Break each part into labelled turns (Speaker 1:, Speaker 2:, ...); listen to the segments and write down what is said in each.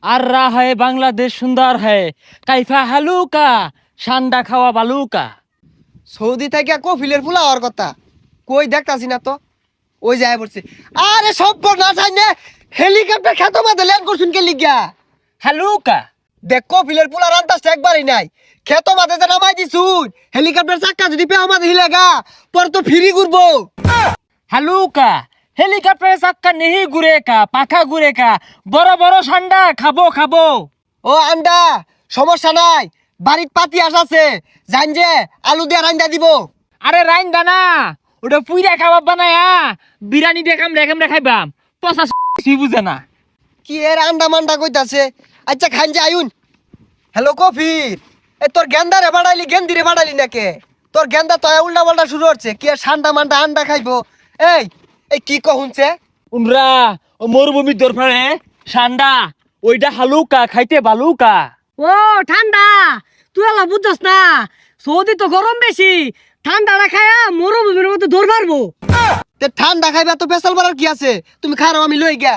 Speaker 1: আর রা है বাংলাদেশ সুন্দর है কাইফা হালুকা ঠান্ডা খাওয়া বালুকা।
Speaker 2: সৌদি থেকে কফিলের ফুলা হওয়ার কথা কই দেখতাছি না তো। ওই যায় পড়ছে। আরে সব না জানে হেলিকপ্টার খেতো মাঝে ল্যান্ড করছুন কে লিগা।
Speaker 1: হালুকা
Speaker 2: দেখ কফিলের ফুলা রান্তাসটা একবারই নাই। খেতো মাঝে যে নামাই দিছুন হেলিকপ্টার চাক্কা যদি পেও মাঝে হিলেগা পর তো ফ্রি ঘুরবো।
Speaker 1: হালুকা হেলিকপ্টারের চাক্কা নেহি ঘুরে কা পাখা ঘুরে কা বড় বড় ঠান্ডা খাবো খাবো।
Speaker 2: ও আন্ডা সমস্যা নাই বাড়ির পাতি আছে জান যে আলু দিয়ে রান্দা দিব।
Speaker 1: আরে রাইন দানা ওটা পুইরা খাবার বানায়া বিরিয়ানি দেখাম রেখাম রেখাইবাম পচা বুঝে না।
Speaker 2: কি এর আন্ডা মান্ডা কইতাছে। আচ্ছা খান যে আয়ুন। হ্যালো কফির এ তোর গেন্দারে বাড়াইলি গেন্দিরে বাড়াইলি নাকে তোর গেন্দা তো উল্টা পাল্টা শুরু হচ্ছে কি আর ঠান্ডা মান্ডা আন্ডা খাইবো। এই এই কি কহুনছে
Speaker 1: উনরা ও মরুভূমির দরফারে ঠান্ডা ওইটা হালুকা খাইতে বালুকা।
Speaker 3: ও ঠান্ডা তুই আলা বুঝছস না সৌদি তো গরম বেশি ঠান্ডা না খায়া মরুভূমির মধ্যে দৌড় মারবো।
Speaker 2: তে ঠান্ডা খাইবা তো পেশাল বাড়ার কি আছে তুমি খারাও আমি লই গিয়া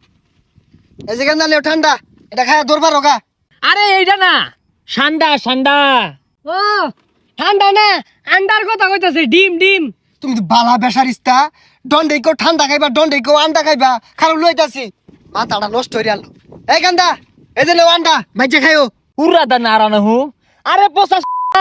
Speaker 2: এই যে গেন্দা লেও ঠান্ডা এটা খায়া দরবার রোগা।
Speaker 1: আরে এইটা না ঠান্ডা ঠান্ডা।
Speaker 3: ও ঠান্ডা না আন্ডার কথা কইতাছে ডিম ডিম।
Speaker 2: তুমি তো বালা বেসারিস্তা দন্ডে কেউ ঠান্ডা খাইবা দন্ডে কেউ আন্ডা খাইবা খারাপ লইতাছি মাথাটা নষ্ট হয়ে গেল। এই গেন্দা এই যে লেও আন্ডা মাইজে খাইও।
Speaker 1: উড়া দা নারানা হু আরে পচা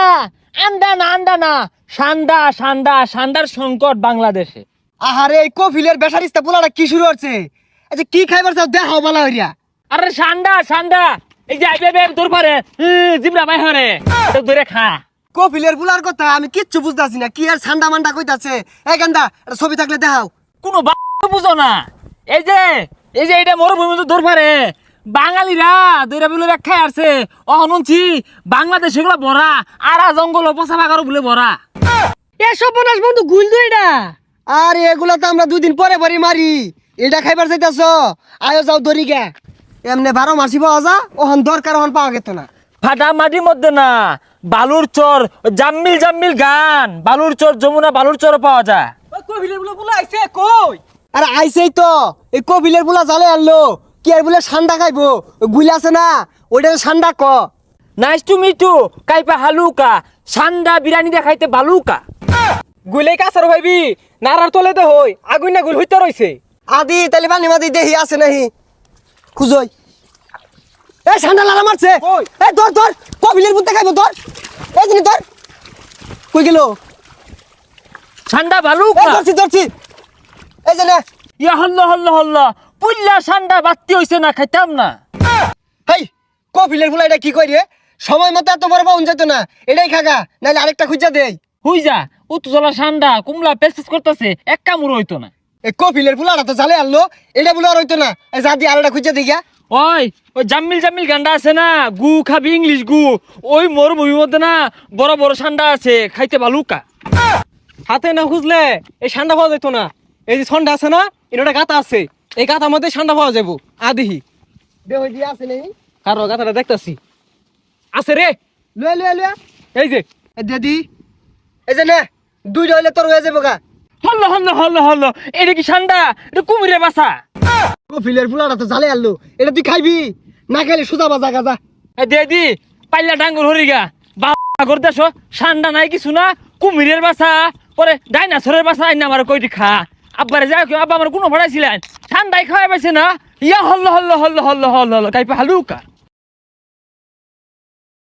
Speaker 1: আন্ডা না আন্ডা না ঠান্ডা ঠান্ডা ঠান্ডার সংকট বাংলাদেশে।
Speaker 2: আহারে এই কফিলের বেসারিস্তা পোলাটা কি শুরু হচ্ছে। আচ্ছা কি খাইবার চাও দেখাও বালা হইয়া।
Speaker 1: আরে ঠান্ডা ঠান্ডা এই যে আইবে তোর পারে জিবরা বাই হরে তো ধরে খা।
Speaker 2: কফিলের পোলার কথা আমি কিচ্ছু বুঝতাছি না কি আর ঠান্ডা মান্ডা কইতাছে। এই গেন্দা এটা ছবি থাকলে দেখাও।
Speaker 1: কোনো বুঝো না এই যে এটা মরুভূমি তো ধর পারে বাঙালিরা দইরা বিলে খাই আসছে অহনছি বাংলাদেশ এগুলো ভরা আরা জঙ্গল পচা বাগারও বলে ভরা।
Speaker 3: এসব বনাস বন্ধু গুল দুই না।
Speaker 2: আর এগুলা তো আমরা 2 দিন পরে পরে মারি এটা খাইবার চাইতাছ আয়ো যাও দরি গে এমনি 12 মাসি পাওয়া যা ওহন দরকার ওহন পাওয়া গেত না।
Speaker 1: ফাটা মাটির মধ্যে না বালুর চর জাম্মিল জাম্মিল গান বালুর চর যমুনা বালুর চর পাওয়া যায়।
Speaker 3: কফিলের বলে আইছে কই।
Speaker 2: আরে আইছেই তো এই কফিলের বুলা জালে আনলো কি আর বলে ঠান্ডা খাইবো গুলি আছে না ওইটা ঠান্ডা ক।
Speaker 1: নাইস টু মিট ইউ কাইপা হালুকা ঠান্ডা বিরিয়ানি দেখাইতে বালুকা।
Speaker 3: গুলে কাছার ভাইবি নারার তলে দে হই আগুন না গুল হইতে রইছে।
Speaker 2: আদি তালি পানি মাদি দেহি আছে নাহি খুঁজই। এ ঠান্ডা লালা মারছে এ ধর ধর কফিলের বুতে খাইবো ধর এই জিনি ধর কই গেল
Speaker 1: ঠান্ডা
Speaker 2: এ
Speaker 1: বালুকা।
Speaker 2: ধরছি ধরছি এই যে নে
Speaker 1: ইয়া হল্লা হল্লা হল্লা পুল্লা ঠান্ডা বাত্তি হইছে না খাইতাম না।
Speaker 2: হেই কফিলের ফুলা এটা কি কই রে সময় মতো এত বড় পাউন যেত না এটাই খাগা নাইলে আরেকটা খুঁজা দেই।
Speaker 1: হুই যা উত্তজলা ঠান্ডা কুমলা পেস করতেছে এক কামড় হইতো না।
Speaker 2: এই কফিলের ফুলাটা তো জালে আনলো এটা বলে আর হইতো না এই যা দিয়ে আরেকটা খুঁজা দেই গিয়া।
Speaker 1: ওই ওই জাম্মিল জাম্মিল গান্ডা আছে না গু খাবি ইংলিশ গু ওই মরুভূমির মধ্যে না বড় বড় ঠান্ডা আছে খাইতে বালুকা।
Speaker 3: হাতে না খুঁজলে এই ঠান্ডা পাওয়া যেত না। এই যে ঠান্ডা আছে না এটা গাতা আছে এই গাতার মধ্যে ঠান্ডা পাওয়া যাবো আদিহি
Speaker 2: দে হই দিয়া আছে নেই
Speaker 3: কারো গাতাটা দেখতাছি আছে রে।
Speaker 2: লয়ে লয়ে লয়ে
Speaker 3: এই যে
Speaker 2: এ দিদি এই যে নে দুইটা হইলে তোর হয়ে যাবো গা।
Speaker 1: হল্ল হল্ল হল্ল হল্ল এটা কি ঠান্ডা এটা কুমিরের বাসা।
Speaker 2: কফিলের ফুলাটা তো জালে আনলো এটা তুই খাইবি না খাইলে সুজা বাজা গাজা।
Speaker 1: দে দি পাইলা ডাঙ্গুর হরিগা বাগর দেশ ঠান্ডা নাই কিছু না কুমিরের বাসা পরে ডাইনাসরের বাসা আইনা আমার কইটি খা আব্বারে যাও আব্বা আমার কোনো ভাড়াইছিলেন ঠান্ডায় খাওয়াই পাইছে না ইয়া হল্ল হল্ল হল্ল হল্ল হল্ল হল্ল কাইপা হালুকা।